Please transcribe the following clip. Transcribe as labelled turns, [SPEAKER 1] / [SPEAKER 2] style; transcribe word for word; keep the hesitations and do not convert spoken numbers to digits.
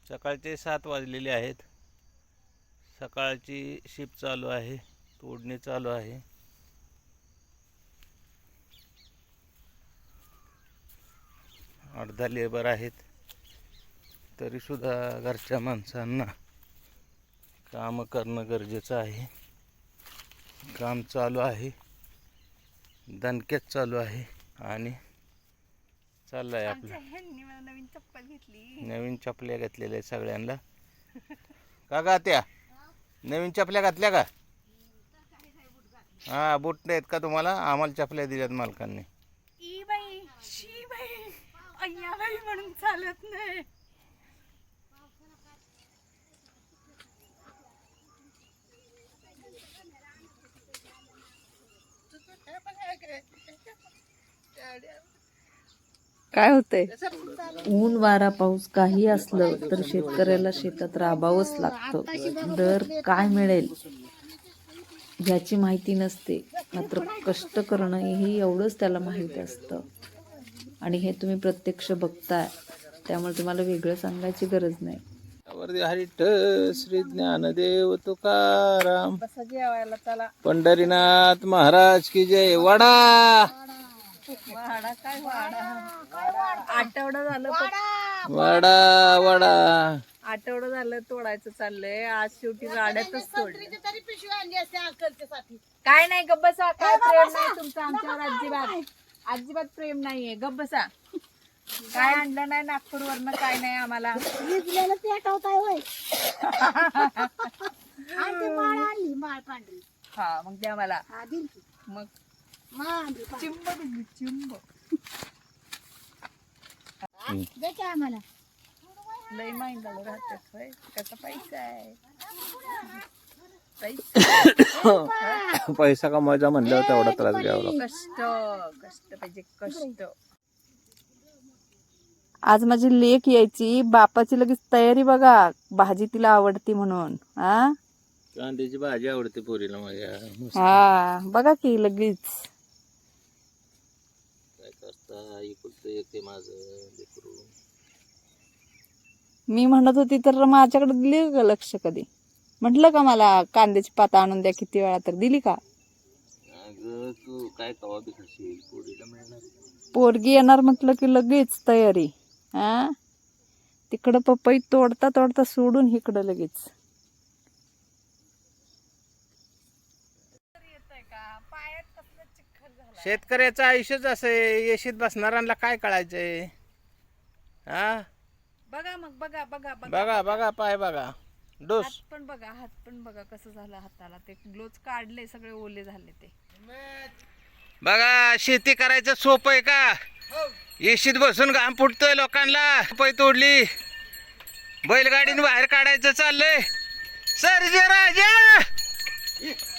[SPEAKER 1] सकाळचे सात वाजलेले आहेत. सकाळची शिफ्ट चालू आहे, तोडणी चालू आहे. अर्धा लेबर आहेत, तरीसुद्धा घरच्या माणसांना काम करणं गरजेचं आहे. काम चालू आहे, दणक्यात चालू आहे आणि चाललंय आपलं.
[SPEAKER 2] नवीन चप्पल घेतली,
[SPEAKER 1] नवीन चपल्या घेतलेल्या सगळ्यांना. का गा त्या नवीन चपल्या घातल्या का? हा, बूट नाहीत का तुम्हाला? आम्हाला चपल्या दिल्यात मालकांनी.
[SPEAKER 2] ई बाई, शी बाई, अय्या बाई म्हणून चालत नाही.
[SPEAKER 3] काय होतंय? ऊन वारा पाऊस काही असलं तर शेतकऱ्याला शेतात राबावंच लागतं. दर काय मिळेल ह्याची माहिती नसते, मात्र कष्ट करणं हे एवढंच त्याला माहीत असतं. आणि हे तुम्ही प्रत्यक्ष बघताय, त्यामुळे तुम्हाला वेगळं सांगायची गरज नाही.
[SPEAKER 1] हरिठ श्री ज्ञानदेव तुकाराम
[SPEAKER 2] बसा जेवायला चला.
[SPEAKER 1] पंढरीनाथ महाराज की जय. वडा
[SPEAKER 2] वाडा काय वाडा, आठवडा झालं
[SPEAKER 1] वडा वडा
[SPEAKER 2] आठवडा झालं तोडायचं चाललंय. आज शेवटी गाड्यातच तोडलं. काय नाही, गप्प बसा. काय प्रेम नाही तुमचं आमच्यावर अजिबात, अजिबात प्रेम नाहीये. गप्प बसा. काय आणलं नाही नागपूरवरनं, काय नाही आम्हाला. हा मग द्या मला. मग चिंब दिली, चिंब. लय महिंदाला राहतात होय. त्याचा पैसा आहे, पैसा.
[SPEAKER 1] पैसा कमवायचा म्हणल्यावर तेवढा त्रास घ्यावा लागतो.
[SPEAKER 2] कष्ट कष्ट पाहिजे, कष्ट.
[SPEAKER 3] आज माझी लेक यायची, बापाची लगेच तयारी बघा, भाजी तिला आवडती म्हणून. हा
[SPEAKER 1] कांद्याची भाजी आवडते पोरीला माझ्या.
[SPEAKER 3] हा बघा की लगेच.
[SPEAKER 1] काय करता, इकडचं येते माझं लेकरू.
[SPEAKER 3] मी म्हणत होती तर माझ्याकडे दिली का लक्ष कधी? म्हटलं का मला कांद्याची पात आणून द्या किती वेळा, तर दिली का?
[SPEAKER 1] अगं तू काय कवा बी खाशील, पोरीला मिळणार.
[SPEAKER 3] पोरगी येणार म्हटलं की लगेच तयारी. हा तिकडं पपई तोडता तोडता सोडून इकडं लगेच.
[SPEAKER 1] शेतकऱ्याचं आयुष्यच असं आहे. येशीत बसणाऱ्यांना काय कळायचंय? हा
[SPEAKER 2] बघा मग, बघा बघा
[SPEAKER 1] बघा बघा पाय बघा, डोस
[SPEAKER 2] हात पण बघा, हात पण बघा कसं झालं हाताला. ते ग्लोव्ज काढले, सगळे ओले झाले ते.
[SPEAKER 1] बघा. शेती करायचं सोपं आहे का? येशीत बसून घाम फुटतोय लोकांना. पै तोडली, बैलगाडीने बाहेर काढायचं चाललंय. सर्जे राजा